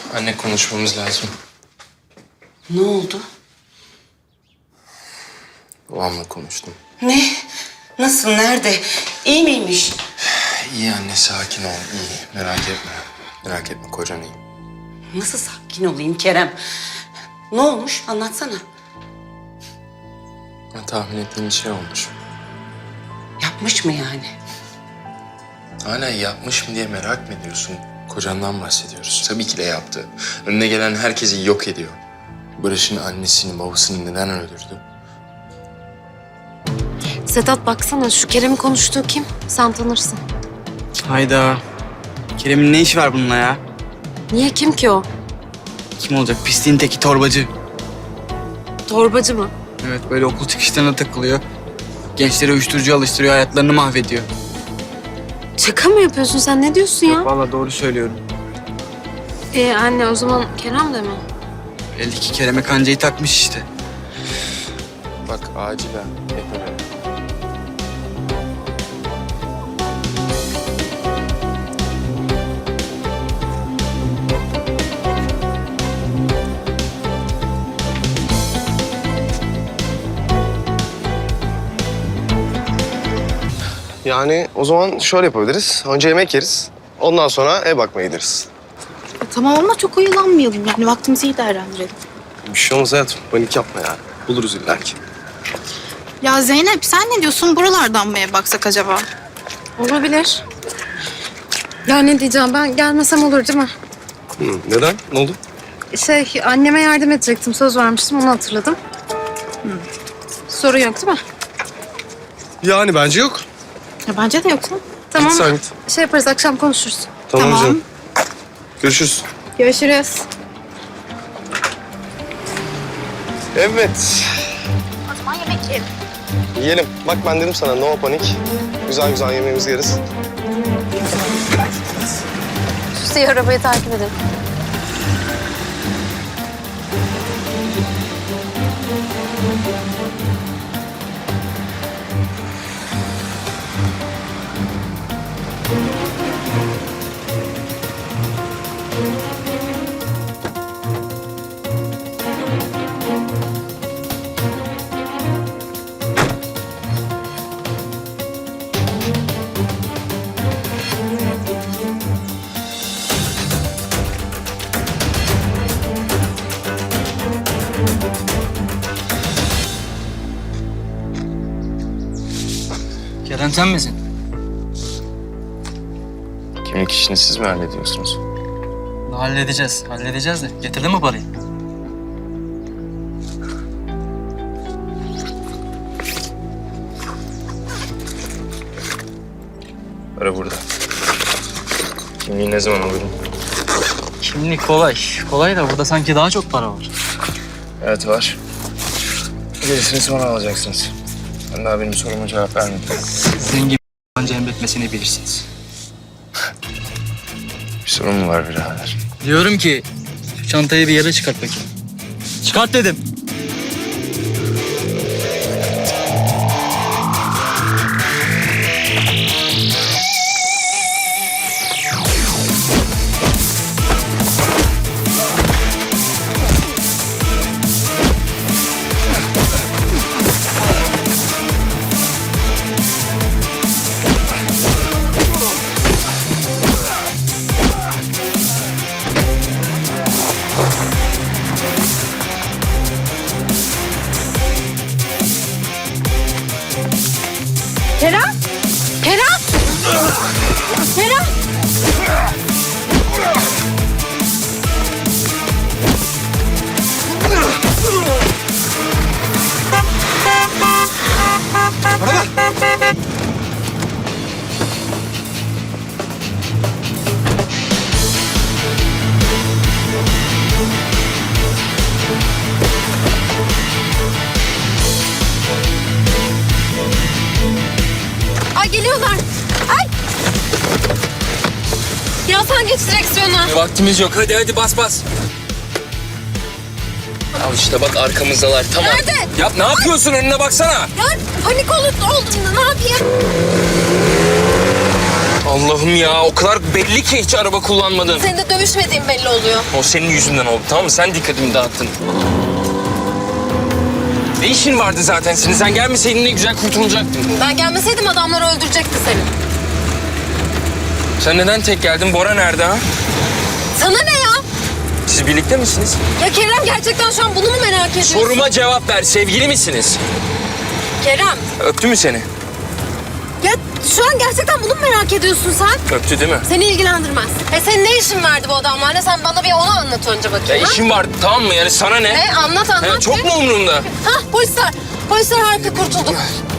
Anne konuşmamız lazım. Ne oldu? Babamla konuştum. Ne? Nasıl? Nerede? İyi miymiş? İyi anne sakin ol iyi. Merak etme. Merak etme kocan iyi. Nasıl sakin olayım Kerem? Ne olmuş? Anlatsana. Tahmin ettiğim şey olmuş. Yapmış mı yani? Hala yapmış mı diye merak mı ediyorsun? Kocandan bahsediyoruz. Tabii ki de yaptı. Önüne gelen herkesi yok ediyor. Barış'ın annesini, babasını neden öldürdü? Sedat baksana şu Kerem'in konuştuğu kim? Sen tanırsın. Hayda. Kerem'in ne işi var bununla ya? Niye kim ki o? Kim olacak? Pisliğin teki torbacı. Torbacı mı? Evet böyle okul çıkışlarına takılıyor. Gençlere uyuşturucu alıştırıyor, hayatlarını mahvediyor. Şaka mı yapıyorsun sen? Ne diyorsun ya? Vallahi doğru söylüyorum. Anne o zaman Kerem de mi? Belli ki Kerem'e kancayı takmış işte. Bak acilen Efe. Yani o zaman şöyle yapabiliriz. Önce yemek yeriz. Ondan sonra ev bakmaya gideriz. Tamam ama çok oyalanmayalım yani vaktimizi iyi değerlendirelim. Bir şey olmaz hayatım. Panik yapma yani. Buluruz illa ki. Ya Zeynep sen ne diyorsun? Buralardan mı ev baksak acaba? Olabilir. Ya ne diyeceğim ben gelmesem olur değil mi? Neden? Ne oldu? Anneme yardım edecektim. Söz vermiştim onu hatırladım. Sorun yok değil mi? Yani bence yok. Ya bence de yoksa. Tamam. Git sen git. Şey yaparız akşam konuşuruz. Tamam, Tamam. canım. Görüşürüz. Görüşürüz. Evet. O zaman yemek yiyelim. Yiyelim. Bak ben dedim sana no panik. Güzel güzel yemeğimizi yeriz. Şu arabayı takip edelim. Kerem sen misin? Kimlik işini siz mi hallediyorsunuz? Halledeceğiz. Halledeceğiz de. Getirdin mi parayı? Para burada. Kimliği ne zaman alırım? Kimlik kolay. Kolay da burada sanki daha çok para var. Evet var. Gerisini sonra alacaksınız. Ben daha benim soruma cevap vermedim. Zengin anca emretmesini bilirsiniz. Bir sorun mu var birader? Diyorum ki şu çantayı bir yere çıkart bakayım. Çıkart dedim. Kerem! Kerem! Kerem! Ay geliyorlar. Ay! Ya sen geç direksiyona. Vaktimiz yok. Hadi bas bas. Al işte bak arkamızdalar. Tamam. Nerede? Yap ne yapıyorsun? Önüne baksana. Ya panik oldum. Ne yapayım? Allah'ım ya, o kadar belli ki hiç araba kullanmadın. Senin de dövüşmediğin belli oluyor. O senin yüzünden oldu, tamam mı? Sen dikkatimi dağıttın. Ne işin vardı zaten senin? Sen gelmeseydin ne güzel kurtulacaktın. Ben gelmeseydim adamlar öldürecekti seni. Sen neden tek geldin? Bora nerede ha? Sana ne ya? Siz birlikte misiniz? Ya Kerem gerçekten şu an bunu mu merak ediyorsun? Soruma cevap ver. Sevgili misiniz? Kerem. Öptü mü seni? Ya şu an gerçekten bunu mu merak ediyorsun sen? Öptü değil mi? Seni ilgilendirmez. Senin ne işin vardı bu adamlarla? Sen bana bir onu anlat önce Ya bakayım. ha? işim vardı, tamam mı? Yani sana ne? Ne? Anlat. Ya çok mu umurumda? Hah polisler. Polisler harika kurtulduk.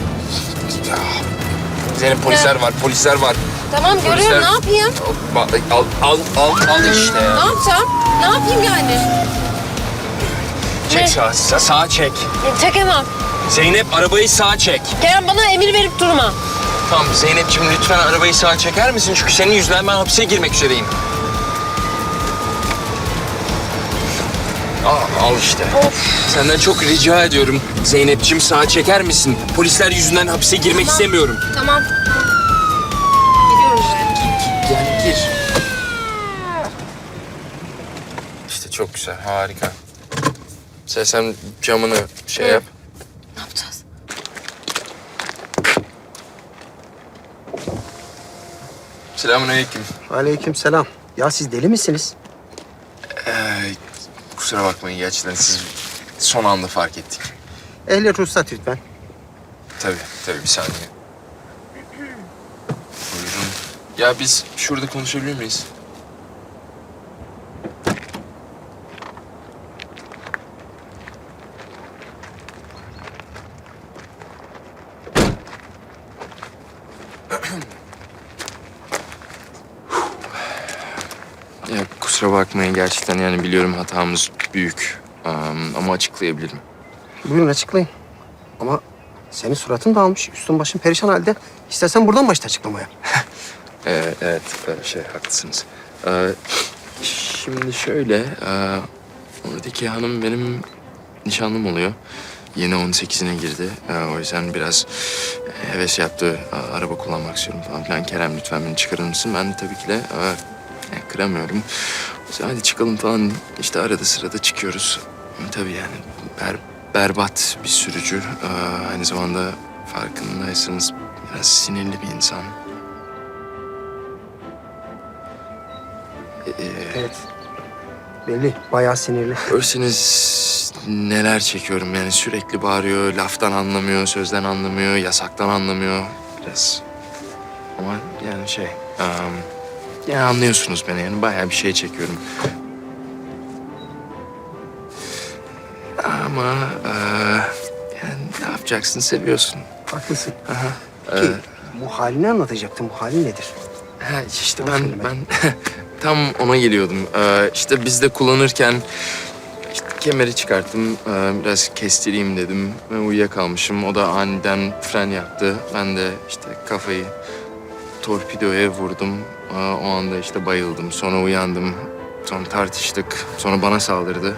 Senin polisler var. Tamam görüyorum ne yapayım? Al işte Ne ya. yapacağım? Ne yapayım yani? Çek sağa çek. Çekemem. Zeynep arabayı sağa çek. Kerem bana emir verip durma. Tamam Zeynep'ciğim lütfen arabayı sağa çeker misin? Çünkü senin yüzünden ben hapise girmek üzereyim. Al işte. Senden çok rica ediyorum. Zeynep'ciğim sağa çeker misin? Polisler yüzünden hapise girmek istemiyorum. Tamam. Gidiyorum ben. Yani gir. İşte çok güzel, harika. Sen camını yap. Ne yapacağız? Selamünaleyküm. Aleykümselam. Ya siz deli misiniz? Kusura bakmayın gerçekten siz son anda fark ettik. Ehliyet ruhsat lütfen. Tabii bir saniye. Buyurun. Ya biz şurada konuşabilir miyiz? Ya kusura bakmayın gerçekten yani biliyorum hatamız büyük. Ama açıklayabilirim. Buyurun açıklayın. Ama senin suratın dağılmış, üstün başın perişan halde. İstersen buradan başla açıklamaya. Evet, haklısınız. Şimdi şöyle, oradaki hanım benim nişanlım oluyor. Yeni 18'ine girdi. O yüzden biraz heves yaptı. Araba kullanmak istiyorum falan filan. Kerem lütfen beni çıkarır mısın? Ben de tabii ki de kıramıyorum. O yüzden hadi çıkalım falan. İşte arada sırada çıkıyoruz. Tabii yani berbat bir sürücü. Aynı zamanda farkındaysanız biraz sinirli bir insan. Evet. Belli, bayağı sinirli. Görseniz neler çekiyorum yani sürekli bağırıyor, laftan anlamıyor, sözden anlamıyor, yasaktan anlamıyor biraz. Ama yani yani anlıyorsunuz beni yani bayağı bir şey çekiyorum. Ama yani ne yapacaksın seviyorsun. Haklısın. Aha. Ki bu halini anlatacaktım. Bu halin nedir? Ha, işte Onu söyle ben tam ona geliyordum. İşte biz de kullanırken işte kemeri çıkarttım. Biraz kestireyim dedim. Ben uyuyakalmışım. O da aniden fren yaptı. Ben de işte kafayı torpidoya vurdum. O anda işte bayıldım. Sonra uyandım. Sonra tartıştık. Sonra bana saldırdı.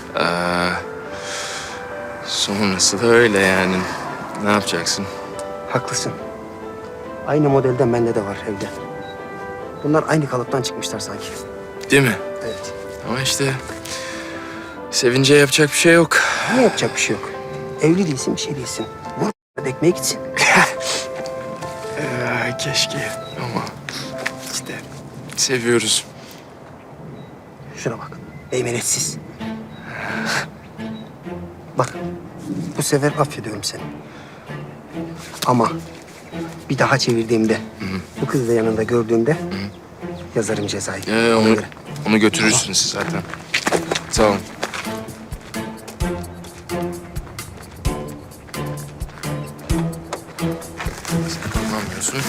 Sonrası da öyle yani. Ne yapacaksın? Haklısın. Aynı modelden bende de var evde. Bunlar aynı kalıptan çıkmışlar sanki. Değil mi? Evet. Ama işte sevince yapacak bir şey yok. Ne yapacak bir şey yok. Evli değilsin, bir şey değilsin. Vur ekmeğe gitsin. Keşke ama işte seviyoruz. Şuna bak. Meymenetsiz. Bak. Bu sefer affediyorum seni. Ama bir daha çevirdiğimde, bu kızı da yanında gördüğümde yazarım cezayı. Ona Onu, göre. onu götürürsünüz siz zaten. Sağ olun. Sen kullanmıyorsun.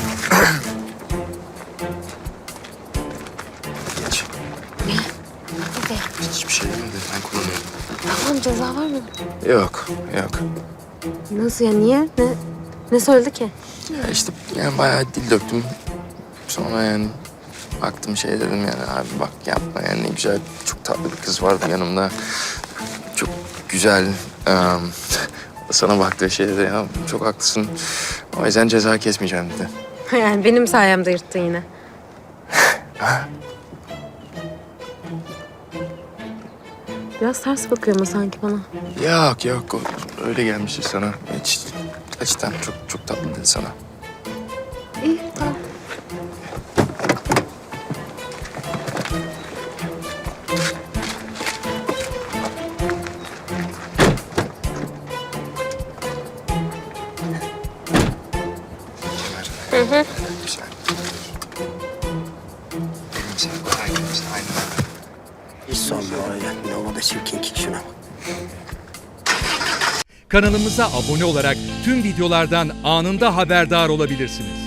Geç. Hiçbir şey demedi. Ben kullanıyorum. Tamam ceza var mı? Yok. Nasıl ya niye? Ne söyledi ki? Ya işte yani bayağı dil döktüm. Sonra yani baktım şey dedim yani abi bak yapma yani ne güzel çok tatlı bir kız vardı yanımda. Çok güzel. Sana baktığı şey dedi ya çok haklısın. O yüzden ceza kesmeyeceğim dedi. Yani benim sayemde yırttın yine. Ha? Biraz ters bakıyor ama sanki bana. Yok. Öyle gelmiştir sana. Hiç açıdan çok tatlı dedi sana. İyi, tamam. Güzel. Gülümse. Aynen. Hiç sorma öyle. Ne olur da çirkin ki şuna bak. Kanalımıza abone olarak tüm videolardan anında haberdar olabilirsiniz.